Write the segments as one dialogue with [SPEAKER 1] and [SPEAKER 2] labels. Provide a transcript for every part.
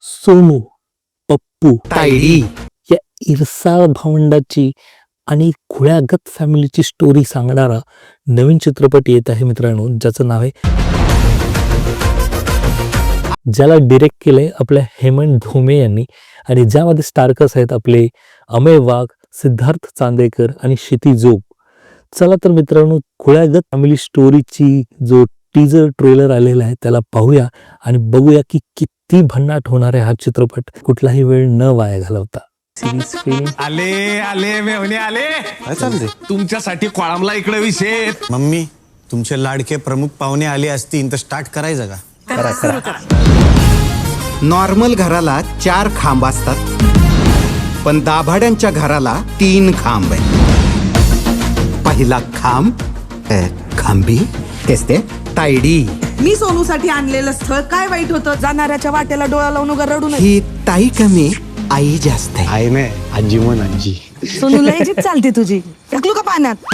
[SPEAKER 1] सोनू, पप्पू,
[SPEAKER 2] तायडी
[SPEAKER 1] या इरसाळ भावंडाची आणि खुळ्यागत फॅमिलीची स्टोरी सांगणारा नवीन चित्रपट येत आहे मित्रांनो, ज्याचं नाव आहे, ज्याला डिरेक्ट केलंय आपल्या हेमंत धोमे यांनी आणि ज्यामध्ये स्टारकस आहेत आपले अमेय वाघ, सिद्धार्थ चांदेकर आणि क्षिती जोग. चला तर मित्रांनो, खुळ्यागत फॅमिली स्टोरीची जो टीजर ट्रेलर आलेला आहे त्याला पाहूया आणि बघूया की किती भन्नाट होणार आहे हा चित्रपट. कुठलाही वेळ न वाया घालवता.
[SPEAKER 3] आले आले मेवणे आले.
[SPEAKER 2] काय चाललंय?
[SPEAKER 3] तुमच्यासाठी कोळामला इकडे विषय.
[SPEAKER 2] मम्मी, तुमचे लाडके प्रमुख पाहुणे आले असतील तर स्टार्ट करायचं का?
[SPEAKER 4] नॉर्मल घराला 4 खांब असतात, पण दाभाड्यांच्या घराला 3 खांब आहे. पहिला खांब खांबी तेच ते तायडी.
[SPEAKER 5] मी सोनूसाठी आणलेलं स्थळ काय वाईट होतं? जाणाऱ्याच्या वाटेला डोळा लावून उगा रडू नये.
[SPEAKER 4] ही ताई कमी, आई जास्त आहे.
[SPEAKER 2] आई नाही, आजी म्हण आजी.
[SPEAKER 5] सोनूला जीप चालते तुझी. टाकलू का पाण्यात?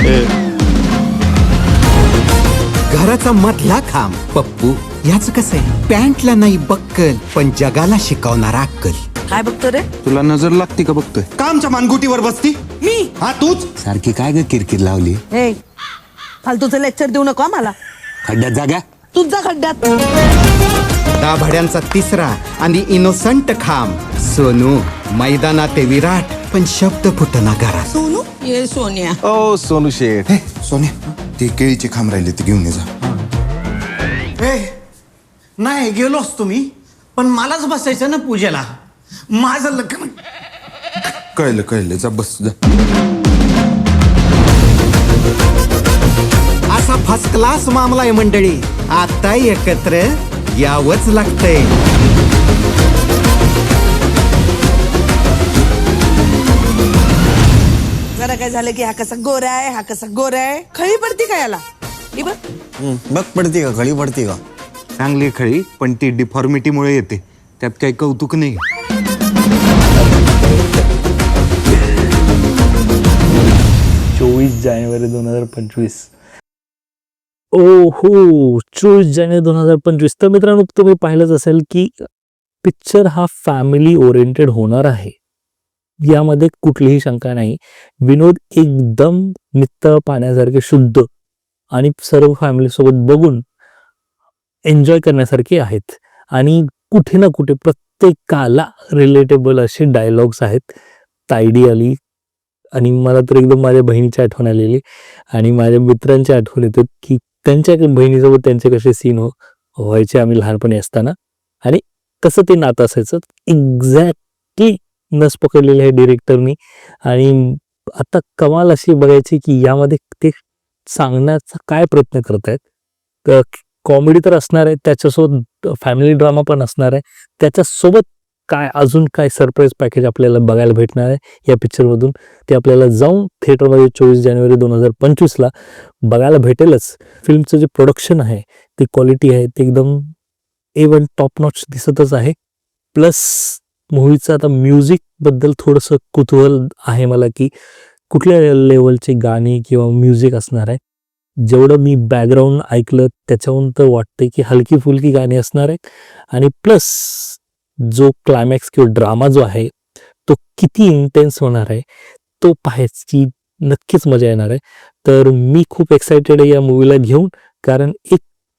[SPEAKER 4] घराचा मधला खांब पप्पू. याच कसं आहे, पॅन्टला नाही बक्कल पण जगाला शिकवणारा अक्कल.
[SPEAKER 5] काय बघतो रे?
[SPEAKER 2] तुला नजर लागते का बघतोय?
[SPEAKER 4] कामच्या मानगुटीवर बसती
[SPEAKER 5] मी
[SPEAKER 4] हा तूच.
[SPEAKER 2] सारखी काय ग किरकिर लावली?
[SPEAKER 5] हे फालतूचं लेक्चर देऊ नको मला.
[SPEAKER 2] खड्ड्यात जागा.
[SPEAKER 5] तुझा खड्ड्यात.
[SPEAKER 4] दाभाड्यांचा तिसरा आणि इनोसंट खांब सोनू. मैदानात ते विराट पण शब्द फुटना घरात.
[SPEAKER 5] सोनू ये सोनिया.
[SPEAKER 2] ओ सोनू शेठ.
[SPEAKER 6] सोन्या, ते केळीचे खांब राहिले ते घेऊन ये जा.
[SPEAKER 7] नाही गेलोच तुम्ही, पण मलाच बसायचं ना पूजेला. माझं लग्न.
[SPEAKER 6] कळलं कळलं, जा बस जा.
[SPEAKER 4] असा फर्स्ट क्लास मामला आहे मंडळी. आता एकत्र यावंच लागतंय.
[SPEAKER 5] जरा काय झालं की हा कसा गोरा आहे, हा कसा गोरा आहे. खळी पडती का याला? ही बघ.
[SPEAKER 2] बघ पडते का? खळी पडते का? चांगली खळी, पण ती डिफॉर्मिटीमुळे येते. त्यात काही कौतुक नाही.
[SPEAKER 1] 24 जानेवारी 2025. ओहो, 24 जानेवारी 2025. तर मित्रांनो, तुम्ही पाहिलंच असेल की पिक्चर हा फॅमिली ओरिएंटेड होणार आहे, यामध्ये कुठलीही शंका नाही. विनोद एकदम नित्तळ पाण्यासारखे शुद्ध आणि सर्व फॅमिलीसोबत बघून एन्जॉय करण्यासारखे आहेत आणि कुठे ना कुठे प्रत्येकाला रिलेटेबल असे डायलॉग्स आहेत. तायडी आली आणि मला तर एकदम माझ्या बहिणीची आठवण आलेली आणि माझ्या मित्रांची आठवण येतात की त्यांच्या बहिणीसोबत त्यांचे कसे सीन व्हायचे आम्ही लहानपणी असताना आणि कसं ते नातं असायचं. एक्झॅक्टली नस पकडलेली आहे डिरेक्टरनी. आणि आता कमाल अशी बघायची की यामध्ये ते सांगण्याचा काय प्रयत्न करतायत. कॉमेडी तर असणार आहे, त्याच्यासोबत फॅमिली ड्रामा पण असणार आहे, त्याच्यासोबत काय अजून काय सरप्राईज पॅकेज आपल्याला बघायला भेटणार आहे या पिक्चरमधून, ते आपल्याला जाऊन थिएटरमध्ये 24 जानेवारी 2025 बघायला भेटेलच. फिल्मचं जे प्रोडक्शन आहे, ती क्वालिटी आहे, ते एकदम A1 टॉप नॉच दिसतच आहे. प्लस मूवीचं आता म्युझिकबद्दल थोडंसं कुतूहल आहे मला की कुठल्या लेवलचे गाणी किंवा म्युझिक असणार आहे. जेवढं मी बॅकग्राऊंड ऐकलं त्याच्याहून तर वाटतंय की हलकी फुलकी गाणी असणार आहेत आणि प्लस जो क्लायमॅक्स किंवा ड्रामा जो आहे तो किती इंटेन्स होणार आहे तो पाहायची नक्कीच मजा येणार आहे. तर मी खूप एक्सायटेड आहे या मूवीला घेऊन, कारण एक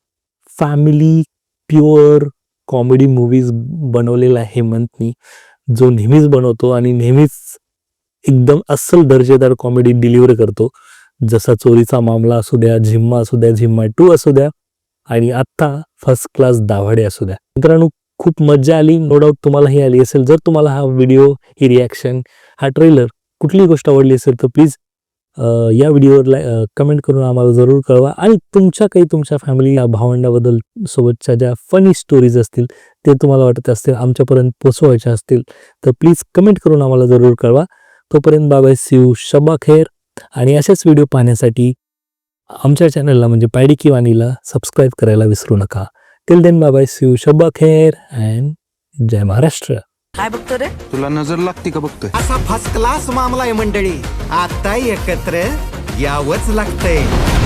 [SPEAKER 1] फॅमिली प्युअर कॉमेडी मूवीज बनवलेला आहे हेमंतनी, जो नेहमीच बनवतो आणि नेहमीच एकदम अस्सल दर्जेदार कॉमेडी डिलिव्हर करतो. जसा चोरीचा मामला असू द्या, झिम्मा असू द्या, झिम्मा 2 असू द्या आणि आत्ता फर्स्ट क्लास दाभाडे असू द्या. मित्रांनो, खूप मजा आली, नो डाऊट तुम्हालाही आली असेल. जर तुम्हाला हा व्हिडिओ, ही रिॲक्शन, हा ट्रेलर, कुठलीही गोष्ट आवडली असेल तर प्लीज या व्हिडिओवर कमेंट करून आम्हाला जरूर कळवा. आणि तुमच्या फॅमिली भावंडाबद्दल सोबतच्या ज्या फनी स्टोरीज असतील, ते तुम्हाला वाटत असतील आमच्यापर्यंत पोचवायच्या असतील तर प्लीज कमेंट करून आम्हाला जरूर कळवा. तोपर्यंत बाय, सी यू, शब्बा खैर. आणि असेच व्हिडिओ पाहण्यासाठी आमच्या चॅनलला म्हणजे पायडी की वाणीला सबस्क्राईब करायला विसरू नका. Till then bye, see you, Shabba Khair and जय महाराष्ट्र.
[SPEAKER 5] काय बघतो रे?
[SPEAKER 2] तुला नजर लागते का बघतोय?
[SPEAKER 4] असा फर्स्ट क्लास मामला आहे मंडळी. आता एकत्र यावंच लागतंय.